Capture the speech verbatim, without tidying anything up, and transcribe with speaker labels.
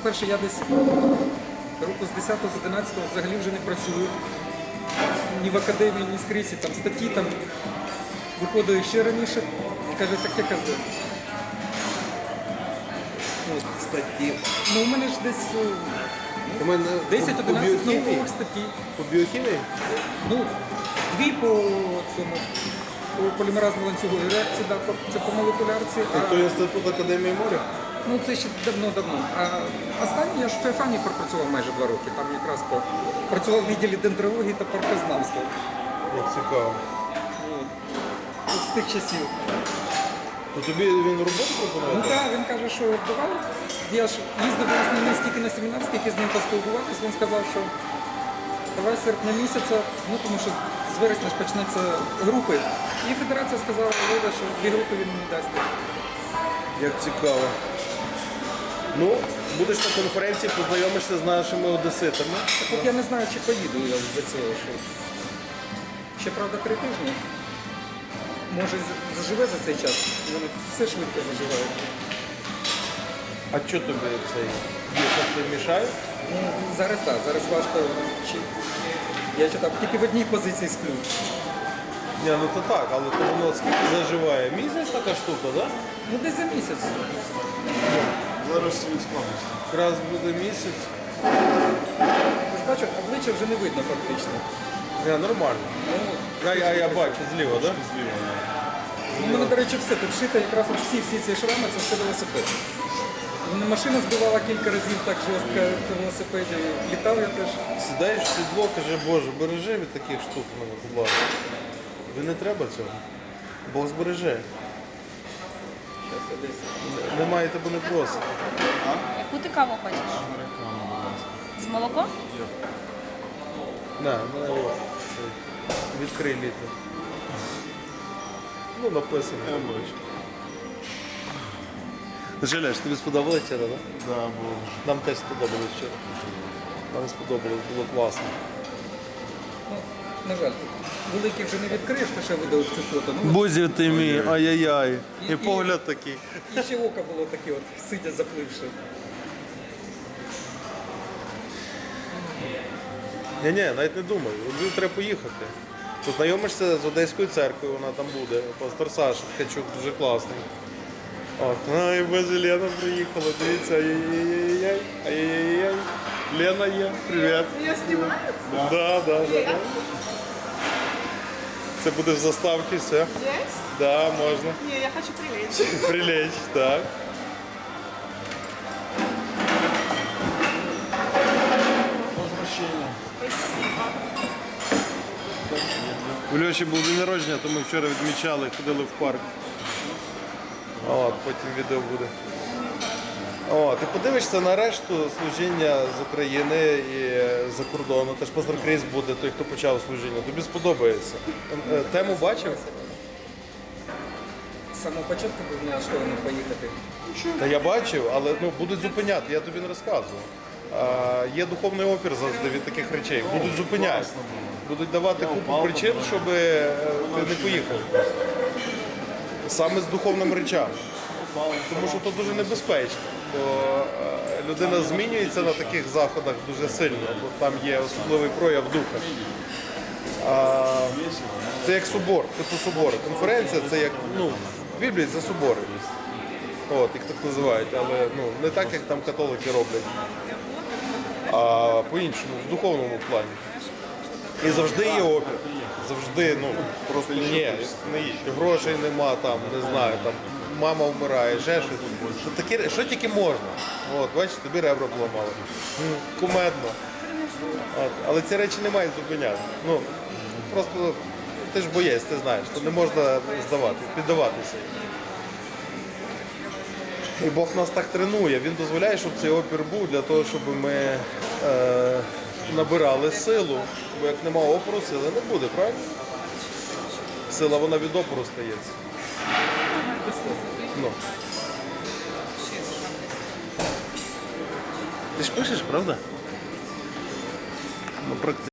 Speaker 1: по-перше, я десь року з десятого, з одинадцятого взагалі вже не працюю. Ні в академії, ні скрізь, і там статті там виходили ще раніше. Каже, таке казав.
Speaker 2: Статті.
Speaker 1: Ну, у мене ж десь
Speaker 2: У мене
Speaker 1: десять-одинадцять наукових статей.
Speaker 2: По біохімії?
Speaker 1: Ну, дві по цьому, по полімеразному ланцюговій реакції, да, по- це по молекулярці.
Speaker 2: А
Speaker 1: А,
Speaker 2: то інститут Академії моря?
Speaker 1: ну, це ще давно-давно. А останній я ж в Феофанії пропрацював майже два роки. Там якраз по, працював в відділі дендрології та паркознавства.
Speaker 2: Як цікаво.
Speaker 1: От. От з тих часів.
Speaker 2: То тобі він роботу
Speaker 1: Ну
Speaker 2: пропонує?
Speaker 1: так, він каже, що давай. Я ж їздив власне не стільки на семінар, скільки з ним поспілкуватися. Він сказав, що давай з серпня місяця, ну тому що з вересня ж почнеться групи. І федерація сказала, Володя, що дві групи він мені дасть.
Speaker 2: Як цікаво. Ну, будеш на конференції, познайомишся з нашими одеситами.
Speaker 1: Так от я не знаю, чи поїду я за цього. Що... Ще, правда, три тижні. Може, з- заживе за цей час. Вони все швидко заживають.
Speaker 2: А що тобі цей їхати мішає?
Speaker 1: Ну, зараз так, зараз важко. Чи... Я читав, тільки в одній позиції сплю.
Speaker 2: Ні, ну то так, але то воно скільки заживає? Місяць така штука, так? Да?
Speaker 1: Ну, десь за місяць.
Speaker 3: Зараз світ складності.
Speaker 2: Якраз буде місяць.
Speaker 1: Ти ж бачу, обличчя вже не видно фактично.
Speaker 2: Ні, нормально.
Speaker 1: Ну,
Speaker 2: Я, я, я бачу зліва, так? Да?
Speaker 3: Зліва.
Speaker 1: ну, у мене, до речі, все тут шито, якраз от всі, всі ці шрами, це все велосипед. Мене машина збивала кілька разів так жорстко на велосипеді. Літав я теж.
Speaker 2: Сідаєш в сідло, каже, Боже, бережи від таких штук мене, будь ласка. Тобі не треба цього. Бог збереже.
Speaker 1: Щас я десь.
Speaker 2: Немає тебе не просить.
Speaker 4: Яку ти каву хочеш?
Speaker 3: Американо, будь ласка.
Speaker 4: З молоком?
Speaker 2: На, мене ось. цей. Відкрий літр. Ну, написано.
Speaker 3: Я бачу.
Speaker 2: Жалеш, тобі сподобалось вчора, так?
Speaker 3: Да, було.
Speaker 2: Нам теж сподобалось вчора. Нам сподобалось, було класно.
Speaker 1: Ну, на жаль, тут великий вже не відкриєш, то ще видав цю фото. Ну,
Speaker 2: Бузів ти мій, ай-яй-яй.
Speaker 1: І-
Speaker 2: І погляд такий.
Speaker 1: і ще око було таке, от, сидя запливши.
Speaker 2: Ні-ні, навіть не думай, у Львів треба поїхати. Познайомишся з Одеською церквою, вона там буде. Пастор Саша Ткачук дуже класний. От. Ай, боже, Лена приїхала, дивіться, ай-яй-яй-яй, ай-яй-яй. Лена є, привіт.
Speaker 5: Я снимаю?
Speaker 2: Да, да, да, да. Це буде в заставці, все.
Speaker 5: Есть?
Speaker 2: Да, можна.
Speaker 5: Не, я хочу прилечь.
Speaker 2: Прилечь, так.
Speaker 3: Возвращення.
Speaker 5: Спасибо.
Speaker 2: У Льоші був день народження, то ми вчора відмічали, ходили в парк. От, потім відео буде. О, ти подивишся на решту служіння з України і за кордону. Теж Пастор Кріс буде, той, хто почав служіння. Тобі сподобається. Е, Тему бачив?
Speaker 1: З самого початку був налаштований поїхати.
Speaker 2: Та я бачив, але ну, будуть зупиняти, я тобі не розказував. А, є духовний опір завжди від таких речей. Будуть зупиняти. Будуть давати купу причин, щоб е, ти не поїхав. Саме з духовними речами. Тому що це дуже небезпечно. Бо е, людина змінюється на таких заходах дуже сильно, бо там є особливий прояв духа. А, це як собор, типу собори. Конференція це як, ну, в Біблії це собори. От, їх так називають, але ну, не так, як там католики роблять, а по-іншому, в духовному плані. І завжди є опір. Завжди, ну, просто ні, не їдь. Грошей нема, там, не знаю, там, мама вмирає, ще щось. Що, такі, що тільки можна. От, бачиш, тобі ребра поламали. М, Кумедно. От, але ці речі не мають зупиняти. Ну, просто ти ж боєць, ти знаєш, то не можна здавати, піддаватися. І Бог нас так тренує, Він дозволяє, щоб цей опір був для того, щоб ми е, набирали силу. Бо як нема опору, сили не буде, правильно? Сила, вона від опору стається. Ну. Ти ж пишеш, правда? Ну, практично.